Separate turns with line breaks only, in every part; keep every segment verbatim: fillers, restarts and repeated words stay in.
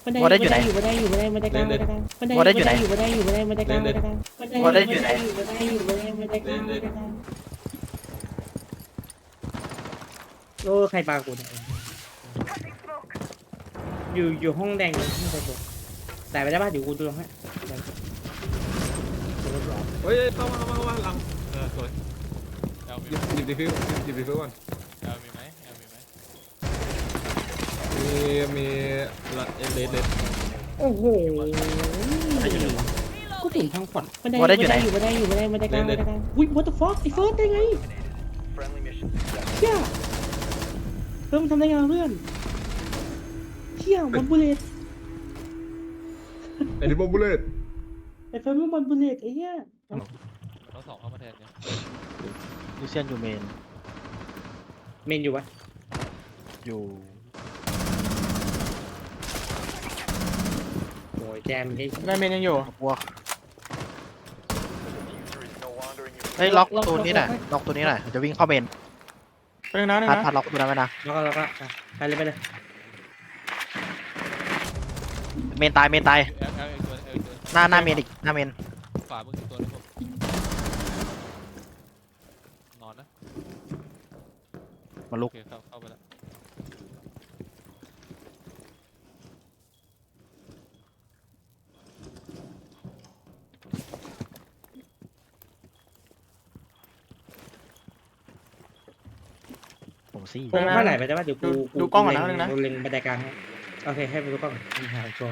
บันได
วอร์เดนอยู่ไหน
อยู่บันไดอยู่บันไดบันไดกลางบันไดกลางบันได
วอร์เดนอยู่ไหน
อยู่บันไดอยู่บันไดบันไดกลางบันไดกลางบันได
วอร์เดนอยู่ไหน
อยู่บันไดอยู่บันไดบันไดกลางบันไดกลางโอ้ใครปากูเนี่ยอยู่อยู่ห้องแดงเลยห้องแดงเลยแต่ไปได้ป่ะเดี๋ยวกูดูให้
เฮ้ยเข้ามาเข้ามาเข้ามาหลังเออสวย
แอล
ห
มี
ยิบหยิบดีฟิวหยิบดีฟิวก่อน
แอลมีไหมแอลมีไหม
มีมีละเอเลสเลส
โอ้โหกูถึงทางขวัญบันได
วอร์เดนอยู่ไหน
อยู่บันไดอยู่บันไดบันไดกลางบันไดกลางอุ้ย what the fuck ไอ้เฟิร์สได้ไงเชี่ยเพิ่มทำได้ไงเพื่อนเชี่ยมันบุลเลต
ไอ้ที่บอมบูเลต
ไอ้เฟิร์สมันบุลเลตไอ้เหี้ย
มันต้องสองเข้ามาแทนเนี่ย
ลูเซียนอยู่เมน
เมนอยู่วะ
อยู่
โอ้ยแจมไอ้
ได้เมนยังอยู่
พวกเฮ้ยล็อกตัวนี้หน่อยล็อกตัวนี้หน่อยจะวิ่งเข้าเมน
ไปหนึ่งนะหนึ่ง
พัด
นะ
พัดล็อกตัวนั้นไว้นะ
แล้วก็แล้วก็ไปเลยไปเลย
เมนตายเมนตาย
แอลแอลอีกตัวแอลอีกตัว
หน้าหน้าเมนอีกหน้าเมน
ขวามึงอีกตัวนึงผมนอนนะ
มาลุ
โอก เคเข้าเข้าไปแล้ว
ผมซี่
กูมาไหนไปได้ป่ะเดี๋ยวกู
ดูกล้องก่อนนะหนึ่งนะ
เล็งบันไดกลางให้โอเคให้ไปดูกล้องมีหาชัวร์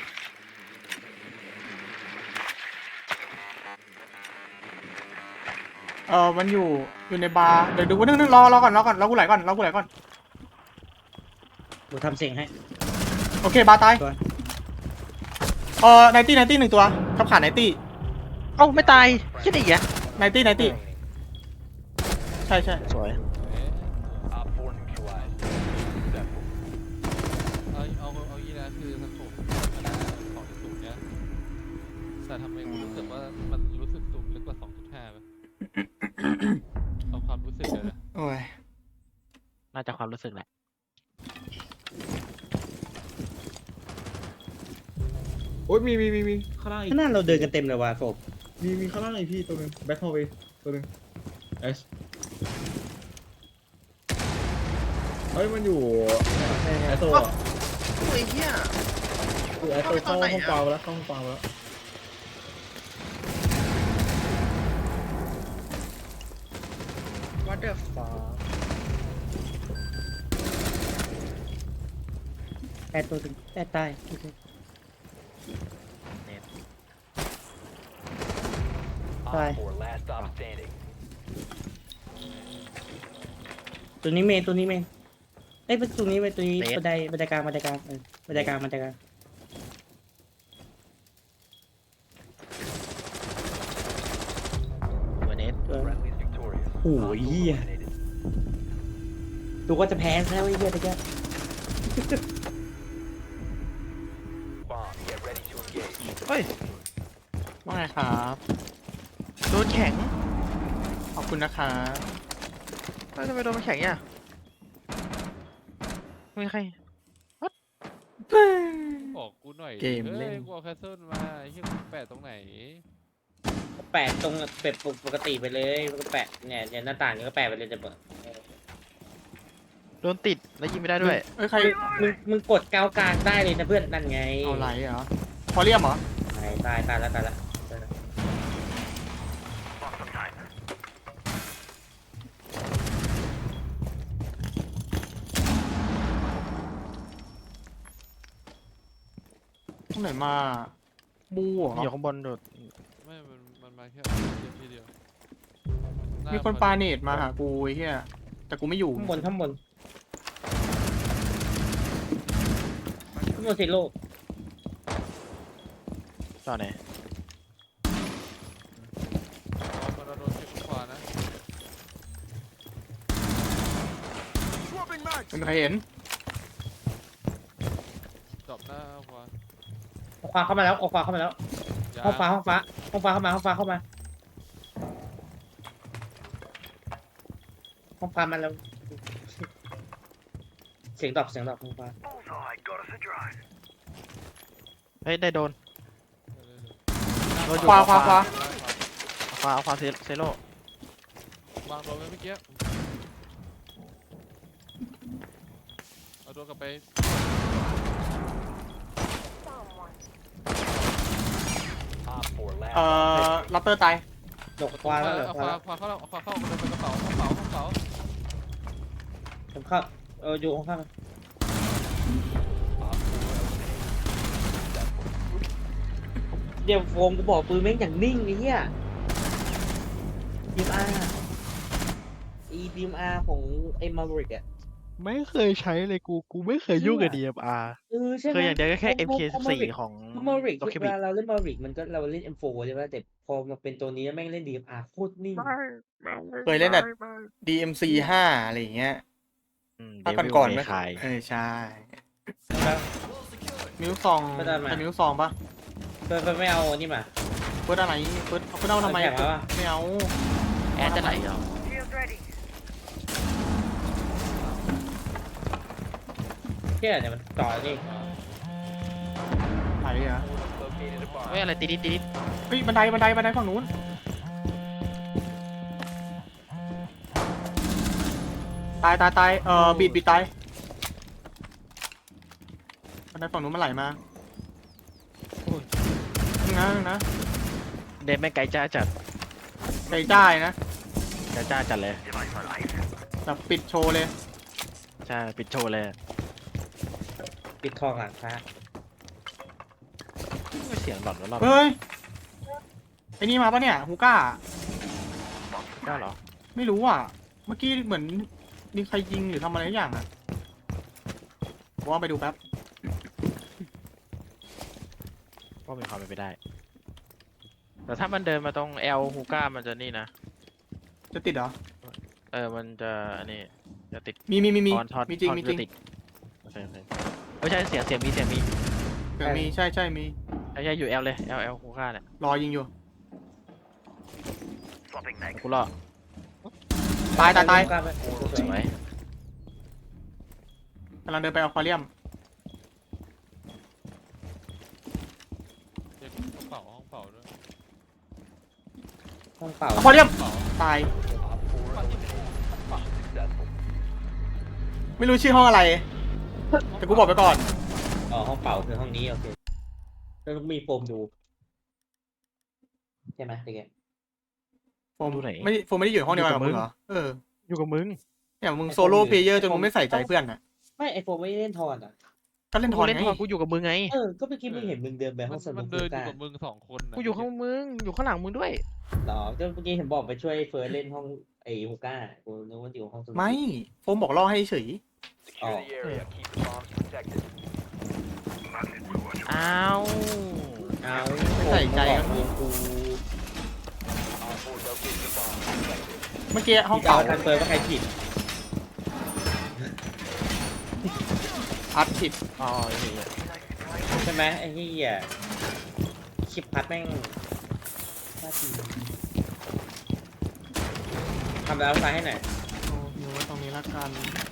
เออมันอยู่อยู่ในบาร์เดี๋ยวดูว่านึงนึงรอรอก่อนรอก่อนรอกูไหลก่อนรอกูไหลก่อน
กูทำเสียงให้
โอเคบาร์ตาย
ตัว
เออไนตี้ไนตี้หนึ่งตัวขับขาไนตี้
เอ้าไม่ตายคิดอีกอ่ะ
ไนตี้ไนตี้ใช่ใช่
สวย
เอ๊ะเอาเอาเอายี่นะคือสโคปธรรมดาของสูงเนี่ยแต่ทำไมกูรู้สึกว่ามันรู้สึกสูงลึกกว่า สองจุดห้าป่ะเอาความรู้สึกเลยนะ
โอ้ย
น่าจะความรู้สึกแหละ
โอ้ยมีมีมีมีข้างล่างอีก
ข้างหน้าเราเดินกันเต็มเลยว่ะศพ
มีมีข้างล่างอีกพี่ตัวหนึงแบ็คฮอลไปตัวหนึงเอชเฮ้ยมันอยู่ไอโซ่อะ
โอ้ยเฮีย
คือไอโซ่เข้าห้องเปล่าแล้วเข้าห้องเปล่าแล้ว
วัดเดอร์ฟอร์
แอดตัวถึงแอดตายโอเคตายตัวนี้เมนตัวนี้เมนเอ้ยเป็นตัวนี้เมนตัวนี้บันไดบันไดกลางบันไดกลางเออบันไดกลางบันไดกลาง
ตัวเนส
เออโอ้ยเหี้ยดูว่าจะแพ้แล้วไอ้เหี้ยตะแก
เฮ้ยว่าไงครับโดนแข็ง
ขอบคุณนะคะ
เฮ้ยทำไมโดนมันแข็งเนี่ยไม่มีใคร
บอกกูหน่อย
เกมเล่น
ฮ้ยกูเอาแคสเซิลมาไอ้เหี้ยกูแปะตรงไหน
แปะตรงเป็ดปกติไปเลยก็แปะเนี่ยเนี่ยหน้าต่างก็แปะไปเลยจะเปิด
โดนติดแล้วยิงไม่ได้ด้วย
เอ้ยใคร
มึงมึงกดกาวกลางได้เลยนะเพื่อนนั่นไง
เอาไหลเหรอพอเรียมเหรอ
ตายตายตายแล้วตายแล้ว
ตรงไหนมาบูเหรอ
อยู่ข้างบนโดด
ไม่ มันมันมาแค่เดียวทีเดียวห
มีคนปาเนตมาหากูไอ้เหี้ยแต่กูไม่อยู่
ข้างบนข้างบนข้างบนสิโลก
ต่อไหน
มันโดนเก็บขวานะ
เป็นใครเห็น
ดรอปหน้าขวา
เอาควาเข้ามาแล้วเอาควาเข้ามาแล้ว
ยา
ห้องฟ้าห้องฟ้าห้องฟ้าเข้ามาห้องฟ้าเข้ามาห้องฟ้ามาแล้วเสียงดอกเสียงดอกห้องฟ้า
เฮ้ยได้โดน
เดี๋ยวๆๆ
ขวาขวาขวา
เอาขวาเอาขวาเซเซโร่
วางโดนไว้เมื่อกี้เอาโดนกลับไป
เอ่อลัตเตอร์ตาย
ดกควาแล้วเหรอ
เอา
ควา
ขวาขวาเข้าแล้วเอาขวาเข้าเอาไปกระเป๋ากระเป๋ากระเป๋ากระเป๋า
ผมเข้าเอออยู่ข้างๆเดี๋ยวโฟมกูบอกปืนแม่งอย่างนิ่งไอ้เหี้ยดีมอาร์อีดีมอาร์ของไอ้มาบริกอะ
ไม่เคยใช้เลยกูกูไม่เคยยุ่งกับ ดี เอ็ม อาร์
เออใช่ไหม
เคยอย่างเดียวก็แค่ เอ็ม เค สิบสี่ ของ
มาริก
ล็อก
เว
เคบิ
ลาเราเล่นมาริกมันก็เราเล่น เอ็ม โฟร์ ใช่ไหมแต่พอมาเป็นตัวนี้แม่งเล่น ดี เอ็ม อาร์ โคตรนิ่ง
เคยเล่นแต่ ดี เอ็ม ซี ห้าอะไรอย่างเงี้ย
อืม
ถ้า
เดวิล
ก่อนๆ
เม
ไม่
คาย
เออใช่มิวซอง
ก็ได้มา
แต่มิวซองปะ
เฟิร์สไม่เอาอันนี่มา
เฟิร์สอะไรเฟิร์สเฟิร์สเอาทำไม
เอาแข่งมาปะ
ไม่เอา
แอดจะไหลเหรอ
เที่ยเนี่ยมันต่อนี่
ไหนอะ
เฮ้ยอะไรติดติดติด
เฮ้ยบันไดบันไดบันไดฝั่งนู้นตายตายตายเอ่อบีดบีดตายบันไดฝั่งนู้นมันไหลมานึงนะนึงนะ
เดมไม่ไกลจ้าจัด
ใจจ้ายนะ
ไกลจ้าจัดเลย
แบบปิดโชว์เลย
ใช่ปิดโชว์เลย
ปิดทองหลังพระ
ไม่เสียงหลอนแล้วรอบ
เฮ้ยไอ้นี่มาปะเนี่ยฮูก้า
ได้เหรอ
ไม่รู้อ่ะเมื่อกี้เหมือนมีใครยิงหรือทำอะไรสักอย่างอ่ะผมว่าไปดูแป๊บ
ก็มีความเป็นไปได้ แต่ถ้ามันเดินมาตรงเอลฮูก้ามันจะนี่นะ
จะติดเหรอ
เออมันจะอันนี้จะติด
มีมีมีมี
ทอนทอน
มีจริง
ทอน
มีจริง
ะติดโอเคโอเคไม่ใช่เสียงเสียงมีเสียงมี
เดี๋ยวมีใช่ใช่มี
ใช่ใช่อยู่เอลเลยเอลเอลฮูก้าเนี่ย
รอยิงอยู่
กูรอ
ตายตายตาย
กล้ไป
สวย
กำลังเดินไปอควาเรียม
เช็คกระเป๋าห้องเป๋าด้วย
ห้องเปล่า
อควาเรียม
กระเป๋า
ตาย ไม่รู้ชื่อห้องอะไร แต่กูบอกไปก่อน
อ๋อห้องเปล่าคือห้องนี้โอเคแล้วต้องมีโฟมดูใช่ไหมเด็ก
โฟมไม่โฟมไม่ได้อยู่ห้องเดียวกันกับมึงเหรอ เออ
อยู่กับมึง
เนี่ยมึงโซโล่เพลเยอร์จนมึงไม่ใส่ใจเพื่อนอ่ะ
ไม่ไอโฟมไม่ได้เล่นทอนอ่ะ
ก็เล่นท
กู
อน
เล่น
ไง
ทอนกูอยู่กับมึงไง
เออก็เมื่อกี้มึงเห็นมึงเดินไปห้
มั
อน งสมุ
มั
ด
นเดินอยู่
กา
กับมึงสองคนน่ะ
กูอยู่ข้างมึงอยู่ข้างหลังมึงด้วย
หรอก็เมื่อกี้เห็นบอกไปช่วยเฟิร์สเล่นห้องไอฮูก้ากูนึกว่าอยู่ห้องสมุด
ไม่โฟมบอกล่อให้เฉย
อ๋อ
อ้าว
เอา
ไม่ใส่ใจ
บ
กั
อน กมึงกู
เมื่อกี้ห้อง
เก่า
เก่า
ทันเฟิร์สว่าใครผิด
อัดผิด
อ๋อไอ้เหี้ย
ใช่ไหมไอ้ที่อ่ะคลิปพัดแม่งน่าทีทำแล้วไฟให้หน่อย
โอ้อยู่ไว้ตรงนี้ละกัน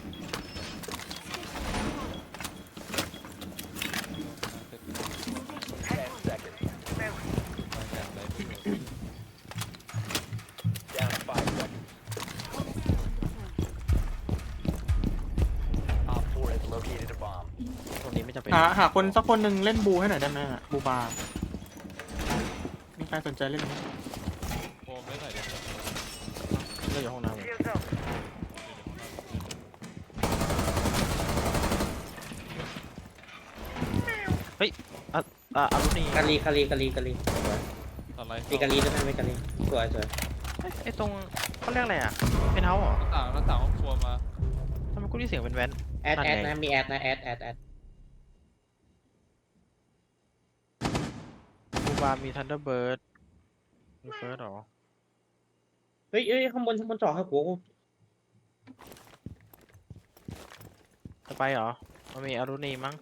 ตรงนี้ไม่จำเป็น
หาหาคนสักคนหนึ่งเล่นบูให้หน่อยได้ไหมอะบูบาร์มีใครสนใจเล่นไหม
โฟมไม่ใส่เดี๋ยว
เลือกอยู่ห้องน้ำเฮ้ยอ่ะอ่ะอารุณี
กาลีกาลีกาลีกาลีสวย
อะไร
มีกาลีด้วยไหมมีกาลีสวยสวย
เฮ้ยไอ้ตรงเขาเรียกอะไรอ่ะเป็นเฮาส์เหรอ
หน้าต่างหน้าต่างห้องครัวมา
ทำไมกูได้เสียงเป็นแว้น
แอดแอดนะมีแอดนะแอดแอดแอด
บูบาร์มีทันเดอร์เบิร์ดมีเฟิร์สหรอ
เฮ้ยเฮ้ยข้างบนข้างบนจอครับกู
จะไปเหรอมันมีอารุณีมั้ง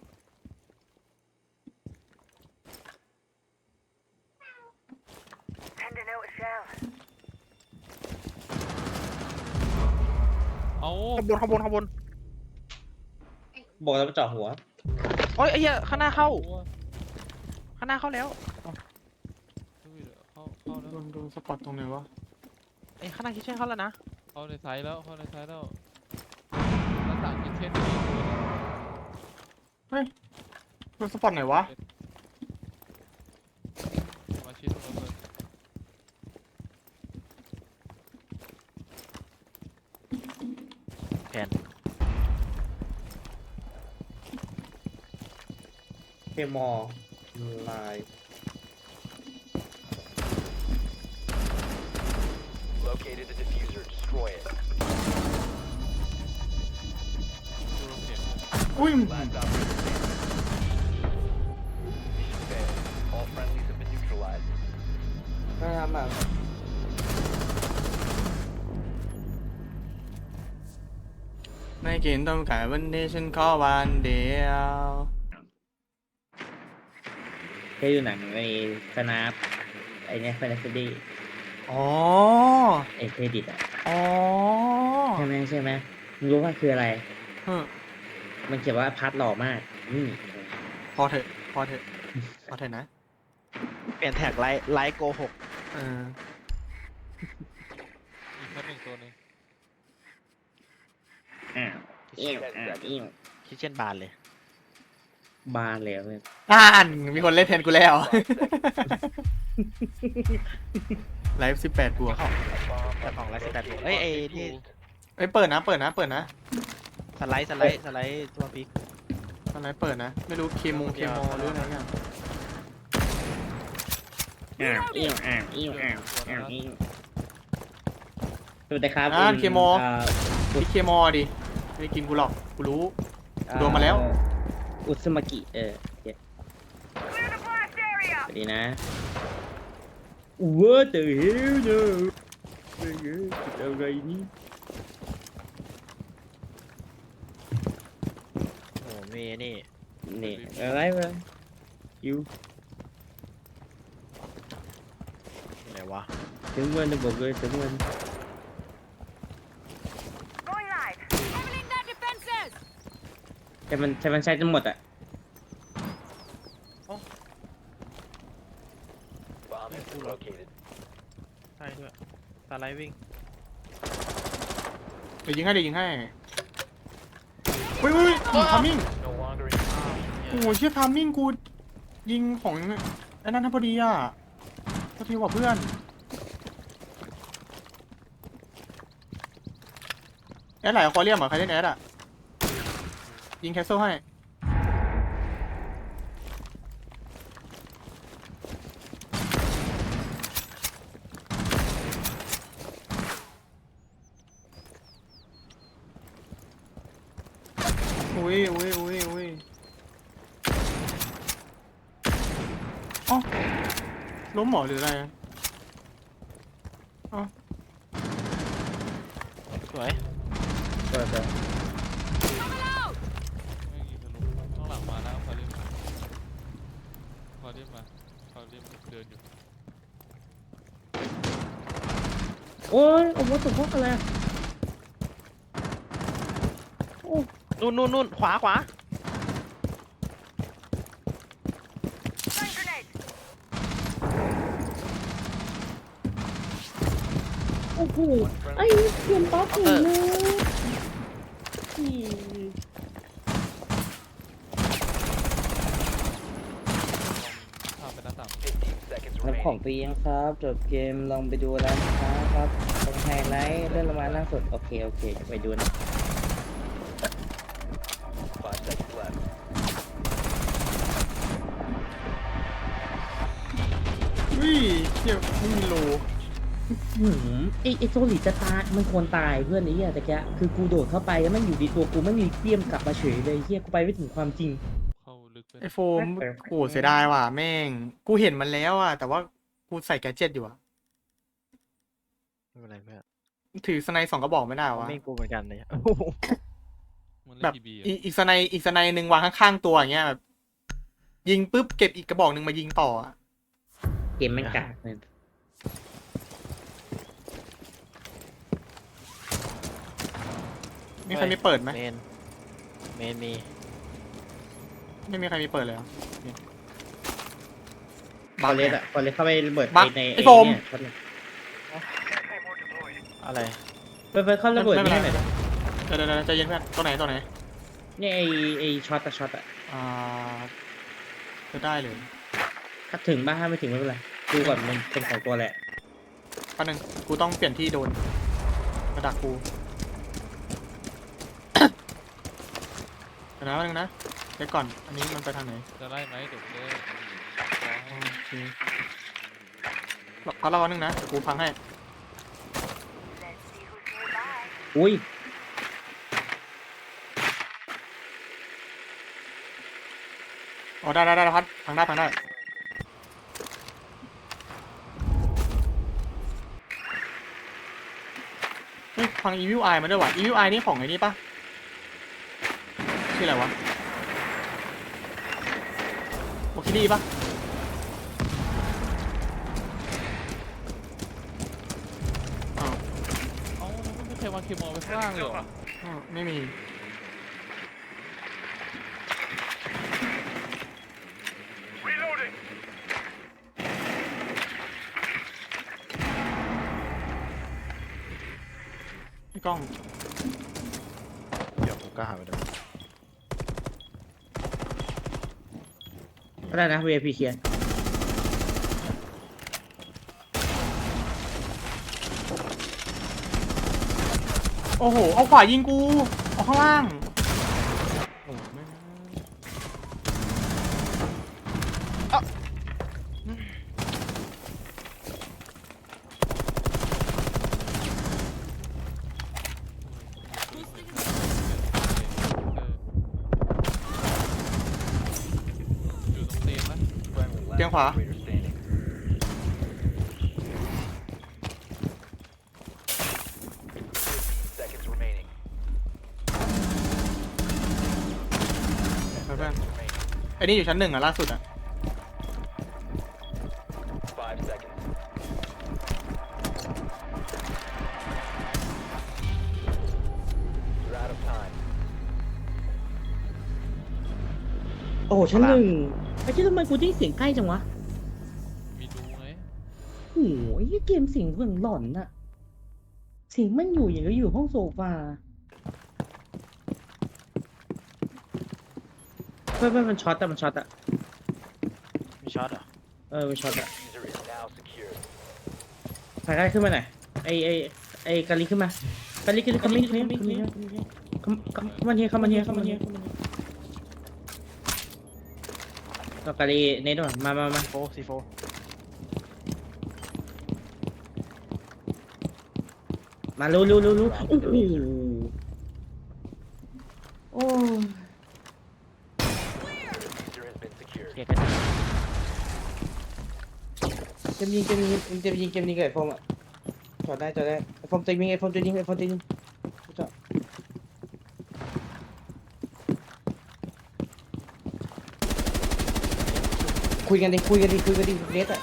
เอา
ข้างบนข้างบนข้างบน
บอกแล้วมันเจาะหัว
โอ้ยไอ้เหี้ยข้างหน้าเข้าข้างหน้าเข้าแล้ว
เฮ้ยเดี๋ยวเข้าเข้าแล้ว
โดนโดนสปอตตรงไหนวะ
เอ้ยข้างหน้าคิดเช่นเข้าแล้วนะ
เข้าในไซส์แล้วเข้าในไซส์แล้วหน้าต่างเป็นเช่นนี้
โดนสปอตไหนวะ
มาชิดตรงนั้นเลย
แผน
เคมอลลาย
Located the diffuser. Destroy it.
ดูเราเห็น
อุ้ย
Last operator standing. Mission failed. All friendlies have been neutralized.
น่าทำแบบ
ไม่กินต้องขายวันนี้ฉันขอวันเดียว
เคยดูหนังในสนาปไอเนี้ยแฟนตาซี
อ๋อ
ไอเครดิตอ่ะ
อ๋อ
ใช่ไหมใช่ไหมมึงรู้ว่าคืออะไร
เออ
มันเขียนว่าพัดหล่อมากอืม
พอเถอะพอเถอะพอเถอะนะ
เปลี่ยนแท็กไลท์ไลท์โกหก
เออ
อีกแค่หนึ่งตัวหนึง
อ้าวเอี้ยวอ้าวเอี้ยว
คิดเช่นบานเลย
บานเลยเพื่อน
อ่านมีคนเล่นแทนกูแล้ว ไลฟ์สิบแปดบวก
แต่ของไลท์สิบแปดเอ้ยไอ้นี่
เอ้ยเปิดนะ เปิดนะ เปิดนะ
สไลด์สไลด์สไลด์ตัวพลิก
อะไรเปิดนะ ไม่รู้เคมงเคมอหรืออะไรเงี้ย
อ้าวเอี้ยวอ้าวเอี้ยวอ้าวอ้าวเอี้ยวสวัสดีครับ
อ่า
คุณ
เคมอ
อ่า
พี่เคมอดิไม่ได้กินกูหรอก กูรู้ โดนมาแล้ว
อุสมากิเออเจ็ดสวัสดีนะว้าแต่เฮลเนอะเฮ้ยเฮ้ยอะไรนี่
โอ้โหมีนี่
นี่อะไรวะยู
อะไรวะ
ถึงวันจะบอกเลยถึงวัน
Leveling their defenses!
ใช่มันใช่มันใช้จนหมดอ่ะ
Bomb has been located.
ใช่ด้วยสไลด์วิ่ง
เดี๋ยวยิงให้เดี๋ยวยิงให้อุ้ยอุ้ยทามมิ่ง
No longer in
โอ้โหเชี่ยทามมิ่งกูยิงของไอ้นั่นนะพอดีอ่ะก็ทีกว่าเพื่อนแอดไหลควอเรียมเหรอใครเล่นแอดอ่ะ ยิงแคสเซิลให้ อุ้ยอุ้ยอุ้ยอุ้ยอ๋อล้มเหรอหรืออะไรอะอ๋อ
สวย
ก็จะ
Coming out!
ไม่ยิงทะลุข้างหลังมาแล้วพอเรียมพอเรียมมาพอเรียมเดินอยู่
โอ้ยโอ้โหตกพวกอะไรอะโอ้
นู่นนู่นนู่นขวาขวา
Stun grenade!
โอ้โห
one friendly.
ไอ้เพื่อนป๊อปอยู่เลยอี
ข้ามไปหน้าต่าง
fifteen seconds
รับของ
remaining.
ฟรียังครับจบเกมลองไปดูร้านค้าครับตรงไฮไลท์เรื่องรางวัลล่าสุดโอเคโอเคจะไปดูนะ
Five seconds left.
อุ้ยเชี่ยไม่มีโล
หืมไอไอโซลิดจะตายมันควรตายเพื่อนไอ้เหี้ยแต่แกคือกูโดดเข้าไปแล้วมันอยู่ดีตัวกูไม่มีเตี้ยมกลับมาเฉยเลยเหี้ยกูไปไม่ถึงความจริง
เข้าลึกไป
ไอโฟมโอ้เสียดายว่ะแม่ง กูเห็นมันแล้วอ่ะ แต่ว่ากูใส่แกดเจ็ตอยู่อ่ะ
ไม่เป็นไรเพื่อน
ถือสไนด์สองกระบอกไม่ได้วะ
ไม่กูเหมือนกันเลย
มัน
แบ
เล่น
บ
ทีบี
อีอีกสไนด์อีกสไนด์หนึ่งวางข้างๆตัวอย่างเงี้ยแบบยิงปุ๊บเก็บอีกกระบอกหนึ่งมายิงต่ออะ
เกมมันกากเลย
มีใครมีเปิดไหม
เมนเมนมี
ไม่มีใครมีเปิดเลยเหรอ
ฟอเรสอะฟอเรสเข้าไประเบิด
บัก
ใน
ไอ้โฟม
เนี่ยช็อตเนี่ย
อะไร
เปิดเปิดเข้าระเบิด
ไม่เป็น
นี่
ไร
หน่อยดิ
เดี๋ยวเดี๋ยวเดี๋ยวใจเย็นเพื่อนตัวไหนตัวไหน
เนี่ยไอไอช็อตอะช็อตอะ
อ่าจะได้เลย
ถ้าถึงบ้างถ้าไม่ถึงไม่เป็นไรดูก่อนมันเป็นของตัวแหละ
แป๊บนึงกูต้องเปลี่ยนที่โดนมาดักกู เดี๋ยวนะแป๊บนึงนะเดี๋ยวก่อนอันนี้มันไปทางไหน
จะไล่ไหมเดี๋ยวจะได้รอให้
โอเคเขาเล่าอันนึงนะเดี๋ยวกูพังให้
อุ้ย
อ๋อได้ได้ได้พัดพังได้พังได้เฮ้ยพังอีวิวไอมาด้วยว่ะอีวิวไอนี่ของไอ้นี่ปะชื่ออะไรวะโอคิดี้ปะอ้าว
เอ้าไม่มีใครวางเคมอลไว้ข้างล่างเลยเหรอ
อ้าวไม่มีพี่กล้อง
เดี๋ยวกูก็หาไปดู
ก็ได้นะ วี ไอ พี เคลียร์
โอ้โหเอาขวายิงกูเอาข้างล่างโอ้ไม่ง
อยู่ตรงเตียงนะ
Friendly last
Tiếng Hòa.
operator standing. fifteen seconds remaining.
เพื่อน
Remaining.
ไอ้นี่อยู่ชั้นหนึ่งอ่ะล่าสุดอ่ะ
Five seconds. You're out of time.
โอ้โหชั้นหนึ่งไอ้ที่ทำไมกูได้เสียงใกล้จังวะ
มีดูไง
โอ้โหไอ้เกมเสียงเหมือนหลอนอะเสียงมันอยู่อย่างก็อยู่ห้องโซฟาเพื่อนเพื่อนมันช็อตอะมันช็อตอะ
มีช็อตเหรอ
เออมันช็อตอะ
User is now secured.
ถ่ายได้ขึ้นมาหน่อยไอไอไอกาลิขึ้นมากาลิขึ้นคอมมิ่งคอมมิ่งคอมมิ่งคอมคอมมันเฮียคอมมันเฮียคอมมันเฮียก็กาลิเนทมามามา
โฟซีโฟ
มารู้รู้รู้รู้โอ้โหโอ้
User has been secured.
เกียร์กัน
เกมยิงเกมยิงเกมยิงเกมยิงกับไอโฟมอ่ะจอดได้จอดได้ไอโฟมตัวยิงไอโฟมตัวยิงไอโฟมตัวยิงจอดคุยกันดิคุยกันดิคุยกันดิเนทอ่ะ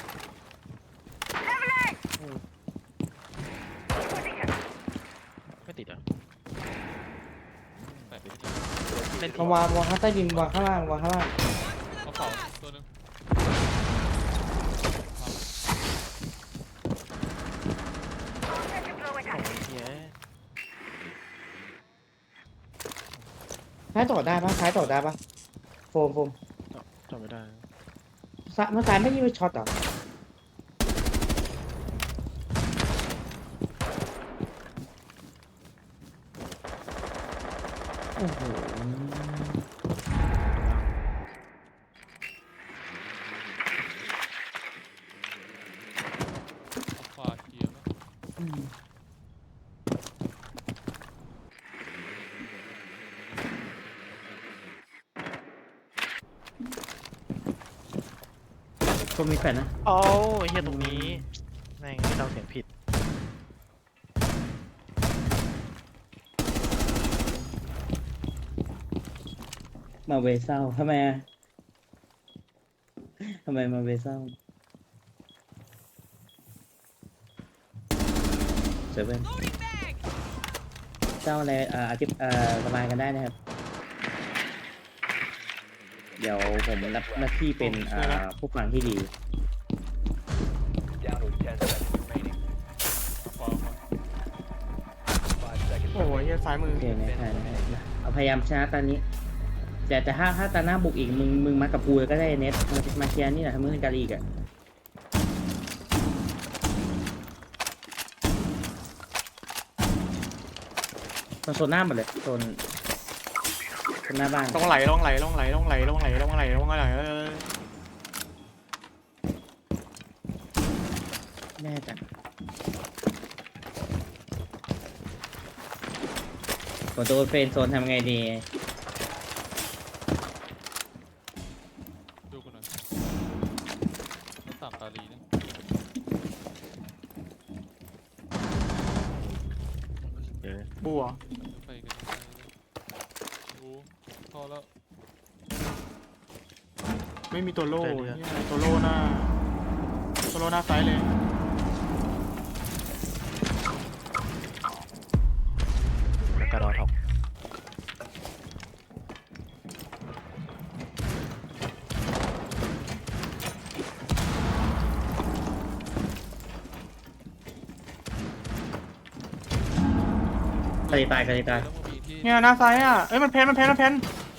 ไม่ติดเหรอ
แปดสิบ
เล่น
มาวางวางข้างใต้ดินวางข้างล่างวางข้างล่าง
เขาเผาตัวหนึง
เฮีย
ซ้ายต่อได้ปะซ้ายต่อได้ปะโฟมโฟม
จำไม่ได้
ซ้ายมันซ้ายไม่ยิงไปช็อตเหรอโอ้โห
ขวาเคลียร์นะ
อืมก็มีแฟนนะ
โอ้ยเฮียตรงนี้แม่งที่เราเสียงผิด
มาเวเศร้าทำไมอ่ะทำไมมาเวเศร้าเซเว่นเศร้าอะไรเอ่ออธิบเอ่อระบายกันได้นะครับเดี๋ยวผมรับหน้าที่เป็นอ่าผู้ฟังที่ดี
Down to ten seconds remaining.
ขวาขวา
Five seconds
โอ้ยเหี้ยซ้ายมือ
โอเคไม่ใช่ไม่ใช่เอาพยายามชนะตอนนี้ แต่แต่ถ้าถ้าตาหน้าบุกอีกมึงมึงมากับกูก็ได้เน็ตมามาเคลียร์นี่แหละทำมึงเป็นการีกอะโซนหน้าหมดเลยโซนโซนหน้าบ้าน
ต้องไหลต้องไหลต้องไหลต้องไหลต้องไหลต้องไหลต้องไหลเออ
แน่จังผมโดนเฟรนด์โซนทำไงดี
ดูกันหน่อยแล้วสามตาลีนะ
เดี๋ยว
บัว
ไปกันดูพอแล้ว
ไม่มีตัวโล่เนี่ยตัวโล่หน้าตัวโล่หน้าซ้ายเลย
กระดอทอก
กระดีตายกระดีตาย
แล้วมันมีที่
เนี่ยหน้าซ้ายอ่ะเอ้ยมันเพนมันเพนมันเพน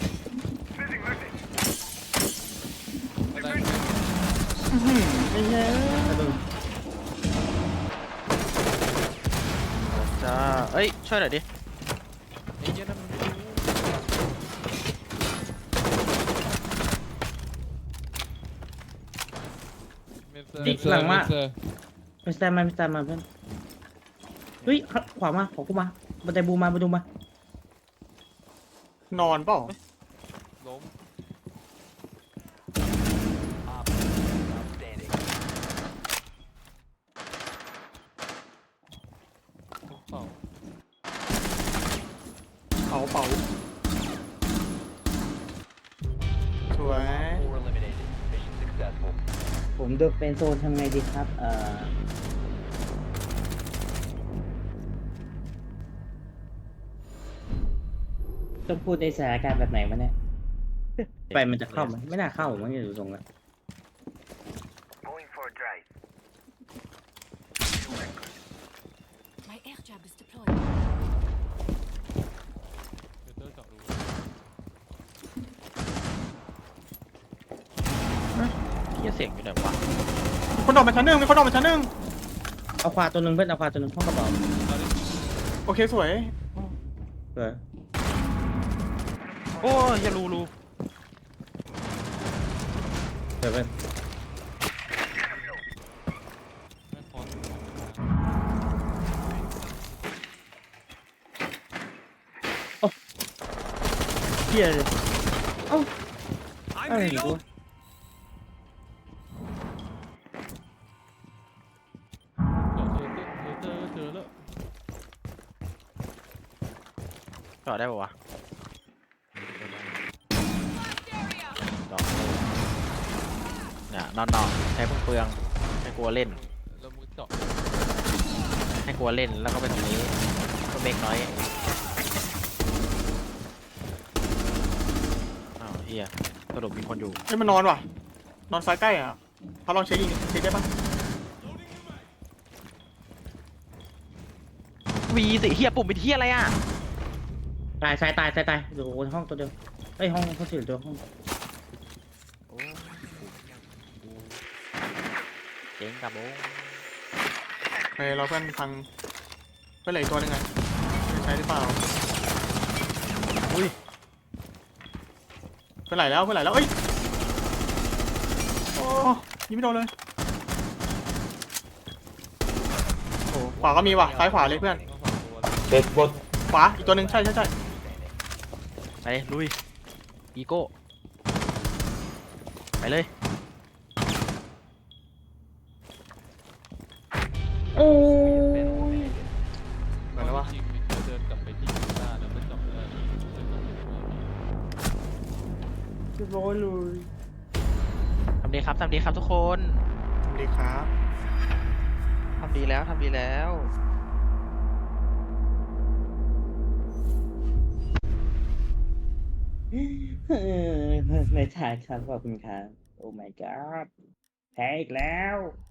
ได้
อื้อหือไอ้เหี้ย
จ้าเอ้ยช่วยหน่อยดิ
ไอ้เหี้ยนั่นมันไม่รู้เมนเซอร์
ดิหลังมา
เมนเซอร์
ไม่ตามมาไม่ตามมาเพื่อนเฮ้ยขวามาขอกูมาบันไดบูมาบันไดบูมาน
อนเปล่า
ล้ม
Op outstanding.
ทุกเป่า
เผาเผาสวย
Four eliminated. Mission successful.
ผมโดนเป็นโซนทำไงดีครับเอ่อต้องพูดในสถานการณ์แบบไหนวะเนี่ยไปมันจะเข้าไหมไม่น่าเข้ามันจะดูทรงแล้ว
My air jab is deployed.
เมนเซอร์เจาะรู
เฮียเสียงอยู่ไหนวะ
มีคนโดดมาชั้นหนึ่งมีคนโดดมาชั้นหนึ่ง
เอาควาตัวหนึ่งเพื่อนเอาควาตัวหนึ่งห้องกระเป๋า
เอาดิ
โอเคสวย
เออ
โอ้ยอย่ารูรู
เดี๋ยวเพื่อน
แม่งพอ
เฮียเลยเอ้าอะไรอยู่วะ
เจอเจอเจอเจอแล้ว
จอดได้ปะวะ
Area.
จอดเนี่ยนอนนอนใช้เพิ่งเปลืองให้กลัวเล่น
แล้วมึงเจาะ
ให้กลัวเล่นแล้วก็เป็นอย่างนี้ก็เมกน้อยอ้าวเฮียสรุปมีคนอยู่
เอ้ยมันนอนว่ะนอนซ้ายใกล้อ่ะเขาลองเช็คยิงเช็คได้ปะ
วีสิเฮียปุ่มเป็นเฮียอะไรอ่ะ
ตายตายตายตายตายอยู่ห้องตัวเดียวเฮ้ยห้องเขาถือตัวห้อง
โอ้เจ๋งกับโอ้
เฮ้ยเราเพื่อนพังเพื่อนเหลืออีกตัวหนึงไงใช้หรือเปล่า
อุ้ย
เพื่อนไหลแล้วเพื่อนไหลแล้วเอ้ยโอ้ยิงไม่โดนเลยโอ้ขวาก็มีว่ะซ้ายขวาเลยเพื่อน
ก็สองตัว
ขวาอีกตัวหนึ่งใช่ใช่ใช่
ไปลุยอีโก้ไปเลย
โอ้ย
เหมือนแล้ววะ
จริงๆมันจะเดินกลับไปที่กีตาร์แล้วไม่เจาะไม่ได้เดินกลับไปที่
เรียบร้อยเลย
ทำดีครับทำดีครับทุกคน
สวัสดีครับ
ทำดีแล้วทำดีแล้ว
เออในชายครับขอบคุณครับ โอ้ my god แพ้อีกแล้ว